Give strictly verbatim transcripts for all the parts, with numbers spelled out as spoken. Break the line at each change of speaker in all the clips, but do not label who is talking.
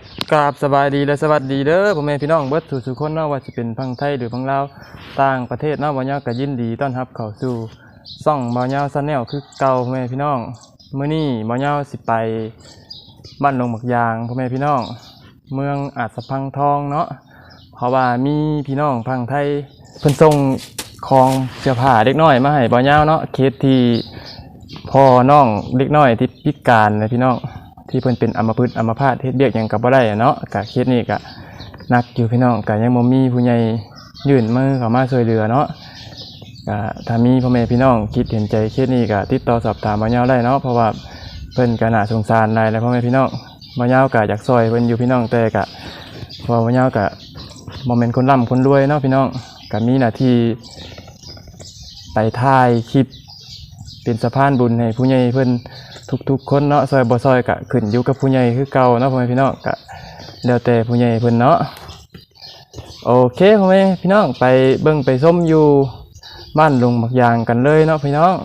กราบสบายดีและสวัสดีเด้อพ่อแม่พี่น้องเบิดทุกๆคนเนาะว่าจะเป็นฝั่งไทยหรือฝั่งลาวต่างประเทศเนาะบ่ยาวก็ยินดีต้อนรับเข้าสู่ช่องบ่ยาว Channel คือเก่าพ่อแม่พี่น้องมื้อนี้บ่ยาวสิไปบ้านลงหมักยางพ่อแม่พี่น้องเมืองอาจสะพังทองเนาะเพราะว่ามีพี่น้องฝั่งไทยเพิ่นส่งของเสื้อผ้าเด็กน้อยมาให้บ่ยาวเนาะเคสที่พ่อน้องเด็กน้อยที่พิการนะพี่น้องที่เพิ่นเป็นอัมพฤกษ์อัมพาตเฮ็ดเวียกหยังก็บ่ได้เนาะก็เคสนี้ก็หนักอยู่พี่น้องก็ยังบ่มีผู้ใหญ่ยื่นมือเข้ามาช่วยเหลือเนาะก็ถ้ามีพ่อแม่พี่น้องคิดเห็นใจเคสนี้ก็ติดต่อสอบถามบ่ยาวได้เนาะเพราะว่าเพิ่นก็น่าสงสารหลายแล้วพ่อแม่พี่น้องบ่ยาวก็อยากช่วยเพิ่นอยู่พี่น้องแต่ก็เพราะบ่ยาวก็บ่แม่นคนร่ำคนรวยเนาะพี่น้องก็มีหน้าที่ไปถ่ายคลิปเป็นสะพานบุญให้ผู้ใหญ่เพิ่นทุกๆคนเนาะซอยบ่ซอยก็ขึ้นอยู่กับผู้ใหญ่คือเก่าเนาะพ่อแม่พี่น้องก็แล้วแต่ผู้ใหญ่เพิ่นเนาะโอเคพ่อแม่พี่น้องไปเบิ่งไปชมอยู่บ้านลุงหมักยางกันเลยเนาะพี่น้อง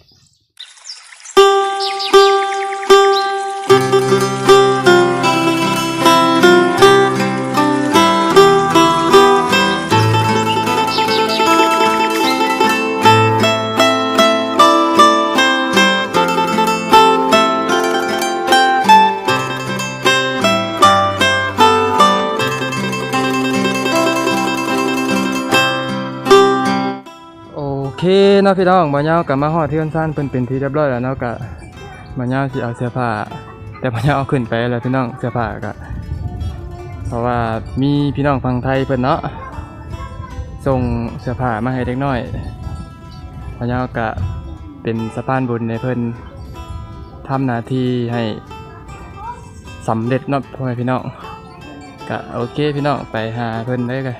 โอเคเนาะพี่น้องบ่ยาวก็มาฮอดเทือนซ่านเพิ่นเป็นที่เรียบร้อยแล้วเนาะก็บ่ยาวสิเอาเสื้อผ้าแต่บ่ยาวเอาขึ้นไปแล้วพี่น้องเสื้อผ้าก็เพราะว่ามีพี่น้องฝั่งไทยเพิ่นเนาะส่งเสื้อผ้ามาให้เด็กน้อยบ่ยาวก็เป็นสะพานบุญให้เพิ่นทำหน้าที่ให้สำเร็จเนาะพ่อแม่พี่น้องก็โอเคพี่น้องไปหาเพิ่นได้เลย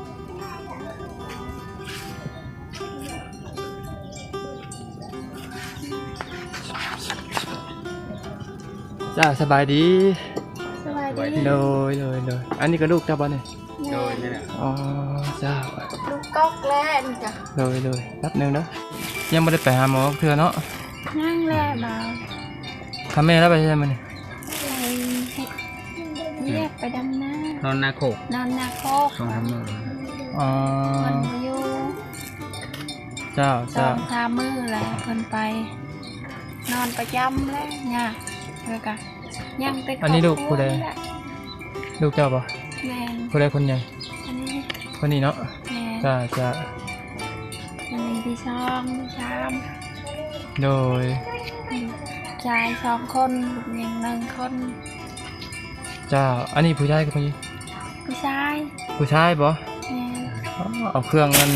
จ้าสบายดี
สบายดี
เลยเลยเลยอันนี้ก็ลูกเจ้าบ่เนี่ย
โดยนี่แหละ
อ๋อเจ้า
ลูกก๊อกแล้วนี่จ้ะ
เลยเลยแป๊บนึงเด้อยังไม่ได้ไปหาหมอเทื่อเนาะ
นั่งแล้วมา
ทำแม่แล้วไปใช่ไหมเนี่ย
ไปเรียกไปดำน้
านอนนาโคก
นอนนาโคก
สองทำมือ
อ๋อ
คนอยู่
เจ้า
สองสามมือแล้วคนไปนอนประจำแล้วเนี่ยแล้วก็ยังเป็น
อันนี้ลูกผู้ใดลูกเจ้าป่ะ
แม่
ผู้ใดคนใหญ่
อันนี้
คนนี้เนาะจ้าจ้า
อันนี้ที่ช่องชาม
โดย
ชายสองคนลูกหญิงหนึ่งคน
จ้าอันนี้ผู้ชายกับผู้หญิง
ผู้ชาย
ผู้ชายป่ะเอาเครื่องนั่น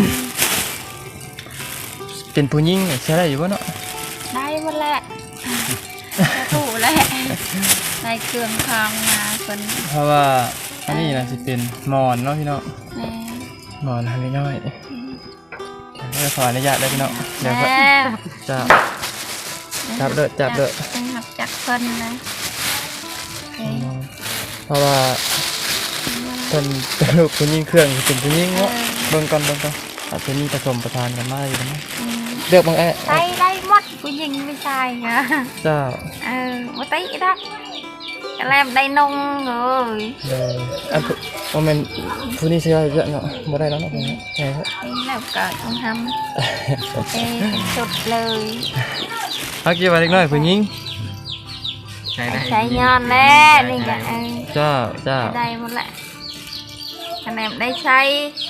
เป็นผู้หญิงใช้ได้อยู่ป่ะเนาะ
ได้หมดแหละถูกแหละในเครื่องคางมาเป็น
เพราะว่าอันนี้นะสิเป็นหมอนเนาะพี่น้องหมอนทำน้อยๆไม่ขออนุญาตได้พี่น้องเดี๋ยวจะจับเด้อจับเด้อ
จับจับเพิ่นนะ
เพราะว่าเพิ่นเป็นลูกผู้หญิงเครื่องเป็นผู้หญิงเนาะเบิ่งก่อนเบิ่งก่อนอาจจะมีผสมประทานกันมาอยู่นะเลือกบางแอะ
ได้ได้หมดผู้หญิงไม่ใช่ไง
เจ้า
เออมาตีดักแลมได้นงเลย
เลยอันโมเมนต์ผู้นี้เชื่อเยอะเนาะบ่ได้แล้วเนาะใช่ครับ
นี่แล้วก็ต้องทำเอสุดเลย
เมื่อกี้ว่าเล็กน้อยผู้หญิง
ใช้ใช้ยอนแล้วนี่ไง
เจ้าเจ้า
ได้หมดแหละคะแนนได้ใช้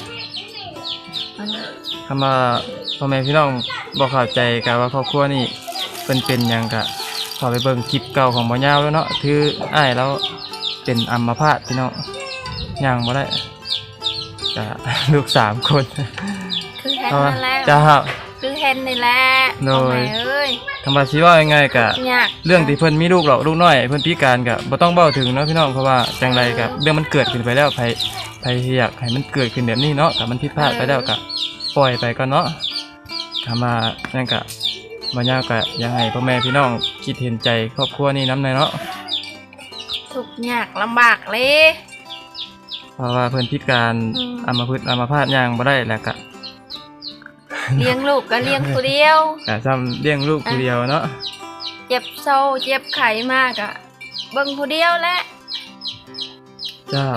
คำว่าพ่อแม่พี่น้องบอกเข้าใจกันว่าครอบครัวนี่เป็นเป็นยังกะขอไปเบิ่งคลิปเก่าของบ่ยาวแล้วเนาะคืออ้ายแล้วเป็นอัมพาตพี่น้องยังบ่ได้กะลูกสามคน
คือเห็นนั่นแหละ
จ้า
คือเห็นนี่แหละ
โดยคำว่าชี้ว่ายังไงกะเรื่องที่เพิ่นมีลูกหรอกลูกน้อยเพิ่นพิการกะบ่ต้องเบ้าถึงเนาะพี่น้องเพราะว่าจังไรกะเรื่องมันเกิดขึ้นไปแล้วไผไผอยากให้มันเกิดขึ้นแบบนี้เนาะกะมันผิดพลาดไปแล้วกะปล่อยไปก็เนาะทำมานั่นกะบ่ยาวกะยังไงพ่อแม่พี่น้องคิดเห็นใจครอบครัวนี้น้ำในเนาะ
ทุกยากลำบากเลย
เพราะว่าเพิ่นพิการอัมพฤกษ์อัมพาตย่างบ่ได้แล้วกะ
เลี้ยงลูกก็เลี้ยงผู้เดียว
แต่ซ้ำเลี้ยงลูกผู้เดียวเนาะ
เจ็บโซ่เจ็บไข้มากอะเบิ่งผู้เดียวแหละ
เจ้า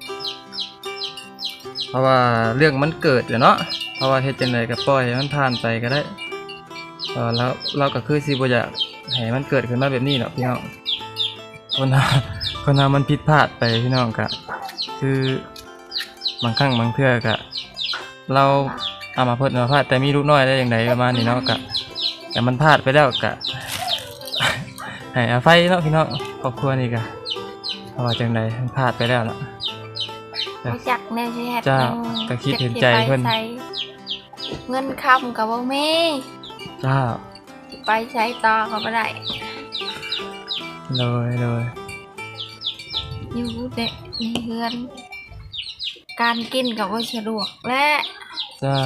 เพราะว่าเรื่องมันเกิดอยู่เนาะเพราะว่าเฮ็ดจังไดก็ปล่อยให้มันผ่านไปก็ได้เออแล้วเราก็คือสิบ่อยากให้มันเกิดขึ้นมาแบบนี้เนาะพี่น้องคนเราคนเรามันผิดพลาดไปพี่น้องก็คือบางครั้งบางเทื่อก็เราเอามาเพิ่นมาพลาดแต่มีลูกน้อยได้อย่างไรประมาณนี้เนาะก็แต่มันพลาดไปแล้วก็ ให้อภัยเนาะพี่น้องครอบครัวนี่ก็เพราะว่าจังไดมันพลาดไปแล้วล่ะ
รู้จักแนวสิเฮ็ด
เจ้าก็คิดเห็นใจเพิ่น
จักสิไปไสเงินคำก็บ่มี
เจ้า
ไปใช้ต่อก็บ่ได้
เลยเลย
อยู่เด็กในเฮือน การกินก็บ่สะดวกและ
เจ้า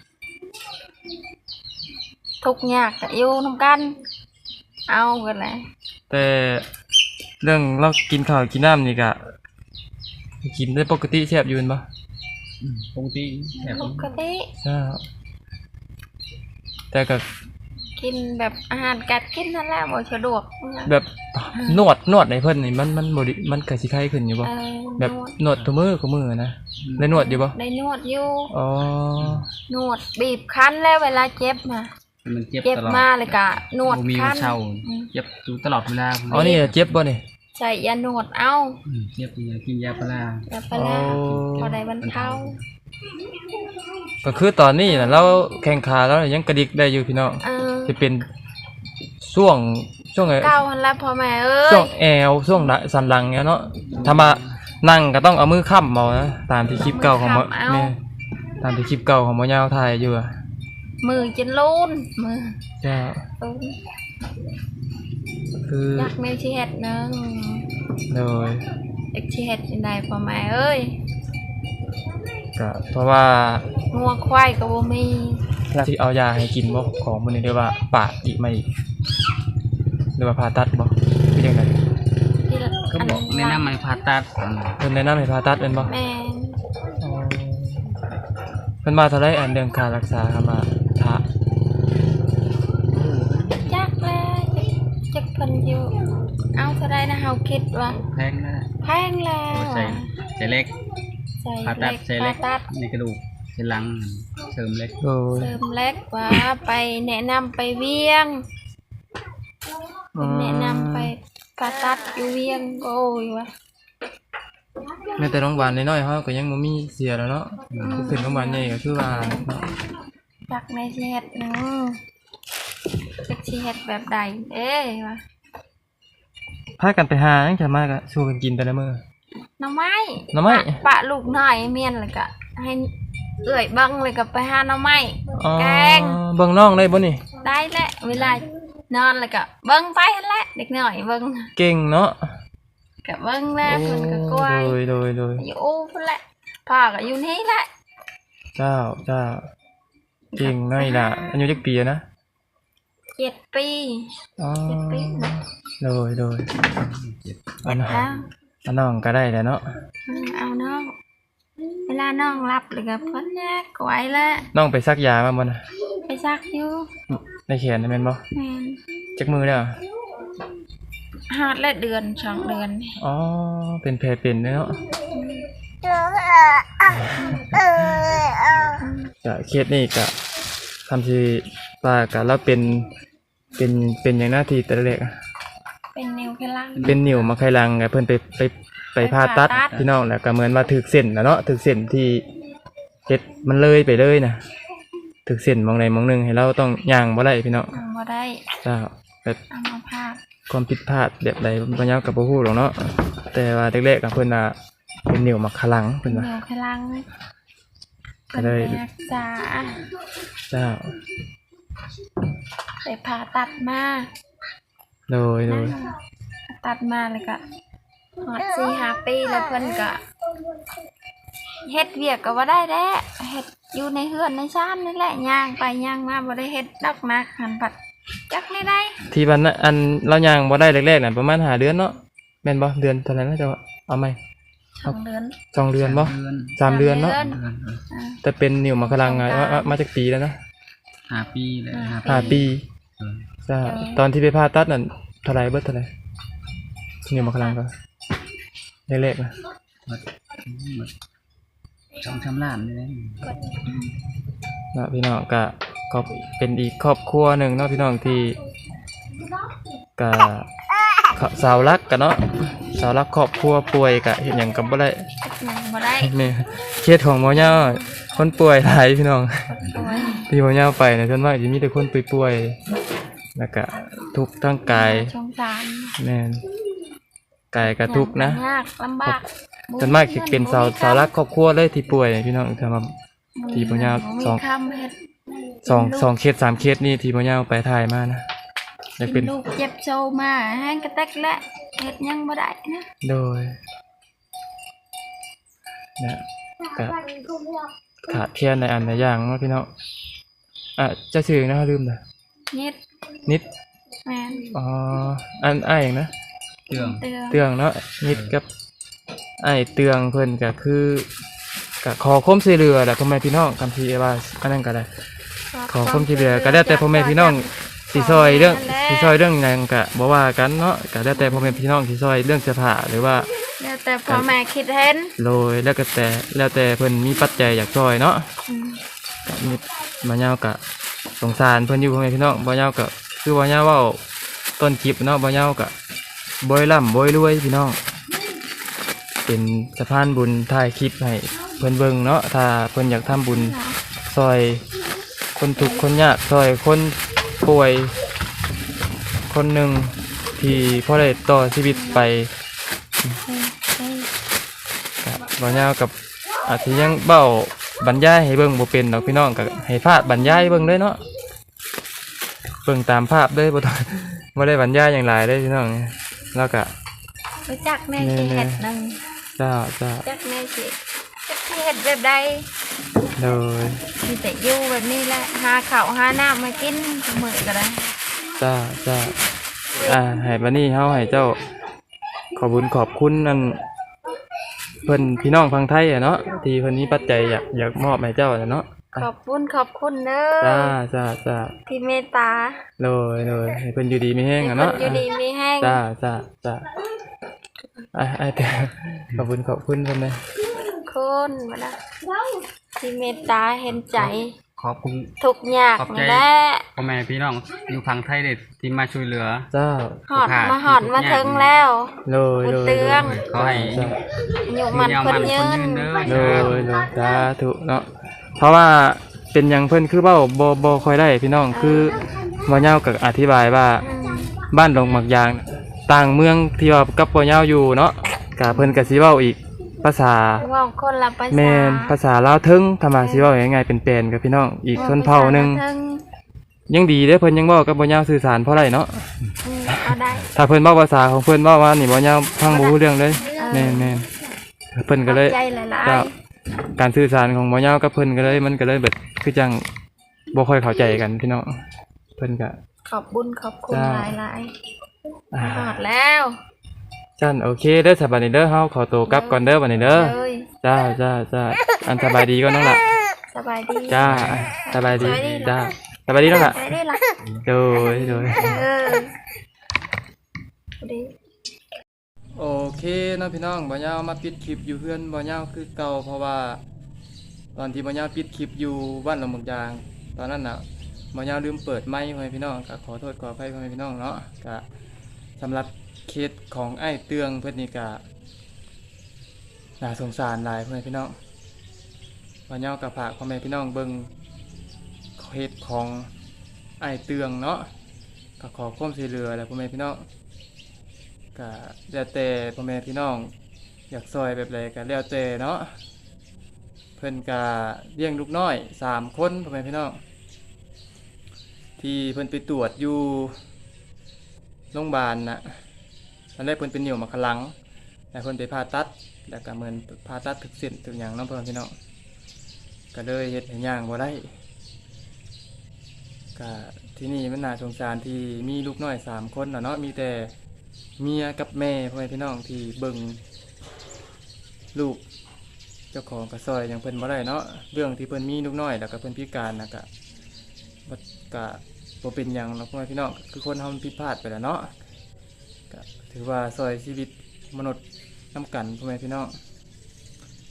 ทุกข์ยากก็อยู่นํกัน เอากันแหละ
แต่เรื่องเรากินข้าวกินน้ำนี่ก็กินได้ปกติแซ่บอยู่แม่นบ่
ปกติแบบ
ปกติ
เจ้าแต่ก็
กินแบบอาหารกัดกินนั่นแหละบ่สะดวก
แบบนวดนวดให้เพิ่นนี่มันมันบ่ดิมันก็สิไข้ขึ้นอยู่บ่
เออ
แบบ
นวด
นวดทุกมื้อทุกมื้อนะได้นวดอยู่บ่
ได้นวดอยู่
อ๋อน
วดบีบคั้นแล้วเวลาเจ็บมา
มันเจ็บ
เจ็บ
ตลอด
มาเลยก็นวด
บ่มี
คั้
วัน เช่า
อืม
เจ็บอยู่ตลอดเวลา
อ๋อนี่เจ็บบ่นี่
ใส่ยานวดเอา
อืมเจ็บยากินยาพารา
อย่าไปแล้ว
โอ้
พอได้บรรเทา
ก็คือตอนนี้น่ะเราแข้งขาแล้วยังกระดิกได้อยู่พี่น้อง
เออ
จะเป็นช่วงช่วงไง
เก้าหันแล้วพ่อแม่เอ้
ช่วย งแอวช่วงสันหลังเนี่ยเนาะถ้ามานั่งก็ต้องเอามือค้ำเอานะตามที่คลิปเก่าของหมอแม่ตามที่คลิปเก่าของหมอยาวถ่ายอยู่อะ
มือจนลูนมือ
จะ
ลูน
คือ
อยากแมวชีเห็ดหนึง
โดย
เอกชีเห็ดยังไงพ่อแม่เอ้ย
ก็เพราะว่า
งัวควายก็บ่มี
ที่เอายาให้กินบ่ของมันนี่เรียกว่าปาดอีกไหม่หรือว่าผ่าตัดบ่คือจังได
ที่ละ
ก็บอกแนะนำให้ผ่าตัดอืม
เพิ่นแนะนำให้ผ่าตัดเป็นบ่
แม่น
อ๋อเพิ่นมาเท่าไรอันเรื่องค่ารักษาครับมาถ้า
จักแล้วจักเพิ่นอยู่เอาเท่าไรนะเฮาคิดว่า
แพงนะ
แพงแล้ว
ใส่ใส่เล็ก
ใส่
ผ่าตัดใส่เล็ก
ผ่าตัด
ในกระดูกใส่หลังเสริมเล็ก
โดย
เสริมเล็กว่าไปแนะนำไปเวียง
อืม
แนะนำไปผ่าตัดอยู่เวียงโอ้ยวะ
แม้แต่โรงพยาบาลน้อยๆเฮาก็ยังบ่มีเสียแล้วเนาะคือขึ้นโรงพยาบาลใหญ่ก็คือว่าเนาะ
จักในชีเฮ็ดหนึงจักชีเฮ็ดแบบใดเอ้ยวะ
พากันไปหาจังจะมาก็สู้กันกินแต่ละมื้อ
หน่อไม้
หน่อไม้
ปะปะลูกน้อยเมียนเลยก็ให้เอื้อยเบังเลยก็ไปหาหน่อไม้
อ๋อ
แกง
เบิ่งน้องได้บ่นี่
ได้แหละเวลานอนเลยก็เบิ่งไปหั่นแหละเด็กน้อยเบิ่ง
เก่งเนาะ
ก็เบิ่งแล้เพิ่นก็กล้วย
โดยโดยโดย
อยู่อู้พุ่นแหละพ่อก็อยู่นี่แหละ
เจ้าเจ้าเก่งน้อยล่ะอายุจักปีอะนะ
เจ็ดปี
อ๋อ
เจ็ดปีนะ
โดยโดยอันน้อง
แล้ว
อันน้องก็ได้แหละเนาะ
อืมเอาน้องเวลาน้องรับเลยก็เพิ่นแยกกวยแล้ว
น้องไปซักยามาบ่น่ะ
ไปซักอยู่
ในแขนน่ะแม่นบ่
แม่น
จักมือแล้ว
หาดละเดือนสองเดือน
อ๋อเป็นแผลเป็นเนาะก็เคสนี้ก็ทำที่ว่าก็เราเป็นเป็นเป็นอย่างหน้าที่แต่ละแรกอะ
เป็นนิ้วแค่ล่าง
เป็นนิ้วมาไขลังไงเพิ่นไปไปไปผ่าตัด
ไปผ่าตัด
พี่น้องแล้วก็เหมือนว่าถึกเส้นนะเนาะถึกเส้นที่เฮ็ดมันเลยไปเลยนะถึกเส้นมองใดมองหนึงให้เราต้องย่างบ่ได้พี่น้อง
เอาบ่ได้
เจ้าแบบ
เอามาพาด
ความผิดพลาดแบบใดบ่ยาวกับบ่ฮู้หรอกเนาะแต่ว่าแรกๆก็เพิ่นว่าเป็นนิ้วมาไขลังเพิ่นว่า
นิ้วแค่ล่าง
ก็เลย
เป็นรักษา
เจ้า
ไปผ่าตัดมา
โดยโดย
ผ่าตัดมาแล้วก็หอดสี่ห้าปีแล้วเพิ่นก็เฮ็ดเวียกก็บ่ได้แด้เฮ็ดอยู่ในเฮือนในชานนี่แหละย่างไปย่างมาบ่ได้เฮ็ดดอกนักหันปัดจักไม่ได้
ที่วันนั้นอันเราย่างบ่ได้แรกๆน่ะประมาณห้าเดือนเนาะแม่นบ่เดือนเท่าไหร่นะเจ้าเอาไหม
สองเดือน
สองเดือนบ่
เดือน
สามเดือนเนาะ
สาม
เดือนเออ
อ่า
แต่เป็นนิ้วมาไขลังไงว่าว่ามาจากปีแล้วนะ
ห้าปีเลยห้าปี
ห้าปี
เออ
ใช่ตอนที่ไปผ่าตัดนั่นเท่าไหรเบิดเท่าไหรนิ้วมาไขลังก็แรกๆนะ
ปดหมดสองสามล้านนี่แหละ
เนาะพี่น้องก็ก็เป็นอีกครอบครัวหนึ่งเนาะพี่น้องที่ก็สาวรักกันเนาะสาวรักครอบครัวป่วยก็เห็นหยังกับบ่ได้
หนังบ่ได้
นี่เคสของหมอเหย้าคนป่วยหลายพี่น้อง
โอ้ย
ที่หมอเหย้าไปเนี่ยส่วนมากจะมีแต่คนป่วยๆแล้วก็ทุกข์ทั้งกาย
สงสาร
แม่นกายก็ทุกข์นะ
ยากลำบาก
ส่วนมากสิเป็นสาวสาวรักครอบครัวเลยที่ป่วยพี่น้องถ้ามา ที่บ่ยาวสอง
มีคำเฮ็ด
สองสองเคสสามเคสนี่ที่หมอเหย้าไปถ่ายมานะอยากเป็น
ลูกเจ็บโซมาแห้งกระแตกและเฮ็ดหยังบ่ได้นะ
โดยนะก็ขาดแคลนในอันในอย่างเนาะพี่น้องอ่ะจะชื่อนะลืมนะ
นิด
นิด
แม่น
อ๋ออันอ้ายนะ
เตือง
เตือน
เตืองเนาะนิดกับอ้ายเตืองเพิ่นก็คือก็ขอความช่วยเหลือแหละพ่อแม่พี่น้องคำที่ว่าอันนั้นก็ได้ขอความช่วยเหลือก็ได้แต่พ่อแม่พี่น้องสิซอยเรื่องสิซอยเรื่องหยังก็บ่ว่ากันเนาะก็ได้แต่พ่อแม่พี่น้องสิซอยเรื่องเสื้อผ้าหรือว่า
แล้วแต่พ่อแม่คิดเห็น
โรยแล้วก็แต่แล้วแต่เพิ่นมีปัจจัยอยากซอยเนาะ
อืม
ก็นิดบ่ยาวก็สงสารเพิ่นอยู่พ่อแม่พี่น้องบ่ยาวก็คือบ่ยาวเว้าต้นคลิปเนาะบ่ยาวก็บ่ร่ำบ่รวยพี่น้องเป็นสะพานบุญถ่ายคลิปให้เพิ่นเบิ่งเนาะถ้าเพิ่นอยากทำบุญซอยคนทุกข์คนยากซอยคนป่วยคนหนึงที่พอได้ต่อชีวิตไป ก็บ่ยาวกับอาจสิยังเบ้าบรรยายให้เบิ่งบ่เป็นดอกพี่น้องก็ให้ภาพบรรยายเบิ่งเลยเนาะเบิ่งตามภาพเด้อบ่ต้อง บ่ได้บรรยายหยังหลายเด้อพี่น้องแล้วก็
ไปจักแม่สิเฮ็ดหนึง
จ้าจ้า
จักแม่สิจักสิเฮ็ดแบบใด
โดย
มีแต่อยู่แบบนี้แหละหาข้าวหาน้ำมากินทุกมื้อก็ได้
จ้าจ้าอ่าให้บัดนี้เฮาให้เจ้าขอบุญขอบคุณนั่นเพิ่นพี่น้องฟังไทยอะเนาะที่เพิ่นมีปัจจัยอยากอยากมอบให้เจ้าอะเนาะ
ขอบคุณขอบคุณเด้
จ้า
อ
จ้าจ้า
ที่เมตตา
โดยโดยให้เพิ่นอยู่ดีมีแฮง
ให้
อะ
คน
เนาะ
อยู่ดีมีแห้ง
จ้าจ้าจ้าอ่ะไอ้แต่ขอบคุณขอบคุณเพิ่นเลย
คนมาละที่เมตตาเห็นใจ
ขอบคุณ
ทุกข์ยาก
ขอบใจ
นี่แหละ
พ่อแม่พี่น้องอยู่ฝั่งไทยเด็ดที่มาช่วยเหลือ
เจ้า
หอดมาหอดมาถึงแล้ว
โดยโดย
บุญเตือง
ขอให้
จ้า
อยู่มัน
ยาว
คน
มัน
ยื
คน
น
ยืนเด้อ
โดยโดยสาธุเนาะเพราะว่าเป็นหยังเพิ่นคือเว้าบ่บ่ค่อยได้พี่น้องคือบ่ยาวก็อธิบายว่า
อืม
บ้านดงหมักยางต่างเมืองที่ว่ากับบ่ยาวอยู่เนาะก็เพิ่นก็สิเว้าอีกภาษา
เว่าคนละภาษา
แม่นภาษาลาวถึงถ้ามาสิเว้าง่ายๆเป็นแปลนกับพี่น้องอีกชนเผ่าหนึง
เทิง
ยังดีเด้อเพิ่นยังเว้ากับบ่ยาวสื่อสารพอได้เนาะ
อืมเอาได้
ถ้าเพิ่นเว้าภาษาของเพิ่นเว้าว่านี่บ่ยาวฟังบ่รู้เรื่องเลยแม่นแม่นเพิ่นก็เลย
ขอบใจหลาย
เจ้าการสื่อสารของบ่ยาวกับเพิ่นก็เลยมันก็เลยแบบคือจังบ่ค่อยเข้าใจกันพี่น้องเพิ่นก็
ๆขอบบุญขอบคุณ
จ้า
หลาย
อ่า
ๆหอดแล้ว
จันโอเคเด้อสบายดีเด้อเฮาขอตัวกลับก่อนเด้อบัดนี้เด้อ
เลย
จ้าจ้าจ้าอันสบายดีก่อนน้องล่ะ
สบายดี
จ้าสบายดี
สบายดี
จ้าสบายดีน้องล่ะ
สบายดีล่ะ
โดยโดย
เออดี
โอเคเนาะพี่น้องบ่ยาวมาปิดคลิปอยู่เพื่อนบ่ยาวคือเก่าเพราะว่า ตอนที่บ่ยาวปิดคลิปอยู่บ้านหนองหมึกยาง ตอนนั้นน่ะบ่ยาวลืมเปิดไมค์ให้พี่น้องก็ขอโทษขออภัยให้พี่น้องเนาะก็สำหรับเคสของไอ้เตืองเพิ่นนี่ก็น่าสงสารหลายเพื่อนพี่น้องบ่ยาวก็ฝากพ่อแม่พี่น้องเบิ่งเคสของไอ้เตืองเนาะก็ขอความช่วยเหลือแล้วพ่อแม่พี่น้อง ก็แล้วแต่พ่อแม่พี่น้องอยากซอยแบบไรก็แล้วแต่เนาะเพิ่นก็เลี้ยงลูกน้อยสามคนพ่อแม่พี่น้องที่เพิ่นไปตรวจอยู่โรงพยาบาลนะตอนแรกเพิ่นเป็นเหนียวมะขลังแล้วเพิ่นไปผ่าตัดแล้วก็เหมือนผ่าตัดถึกเส้นถึกหยังเนาะพ่อแม่พี่น้องก็เลยเฮ็ดให้ย่างบ่ได้ก็ที่นี่มันน่าสงสารที่มีลูกน้อยสามคนน่ะเนาะมีแต่เมียกับแม่พ่อแม่พี่น้องที่เบิ่งลูกเจ้าของกระซอยอย่างเพิ่นบ่ได้เนาะเรื่องที่เพิ่นมีลูกน้อยแล้วก็เพิ่นพิการนะก็บ่ก็บ่เป็นหยังเนาะพ่อแม่พี่น้องคือคนเฮามันผิดพลาดไปแล้วเนาะก็ถือว่าซอยชีวิตมนุษย์นำกันพ่อแม่พี่น้อง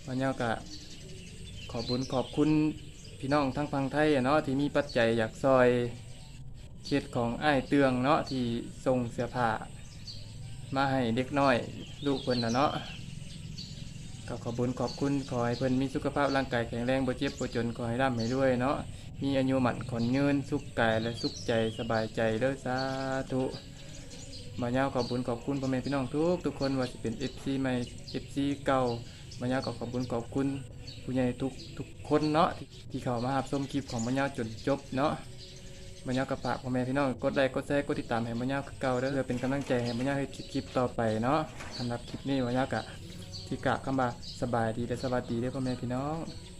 วันนี้ก็ขอบุญขอบคุณพี่น้องทั้งฝั่งไทยอะเนาะที่มีปัจจัยอยากซอยเขตของอ้ายเตืองเนาะที่ส่งเสื้อผ้ามาให้เด็กน้อยลูกเพิ่นน่ะเนาะก็ขอบุญขอบคุณขอให้เพิ่นมีสุขภาพร่างกายแข็งแรงบ่เจ็บบ่จนขอให้ร่ำให้รวยเนาะมีอายุหมั่นขอนยืนสุขกายและสุขใจสบายใจเด้อสาธุมาเย้าขอบบุญขอบคุณพ่อแม่พี่น้องทุกทุกคนว่าสิเป็น เอฟ ซี ใหม่ เอฟ ซี เก่ามาเย้าก็ขอบบุญขอบคุณผู้ใหญ่ทุกทุกคนเนาะที่ที่เข้ามารับชมคลิปของมาเย้าจนจบเนาะมาเย้ากับฝากพ่อแม่พี่น้องกดไลค์กดแชร์กดติดตามให้มาเย้าคือเก่าเด้อเพื่อเป็นกำลังใจให้มาเย้าให้คลิปต่อไปเนาะสำหรับคลิปนี้มาเย้ากะที่กะคำว่าสบายดีและสวัสดีเด้อพ่อแม่พี่น้อง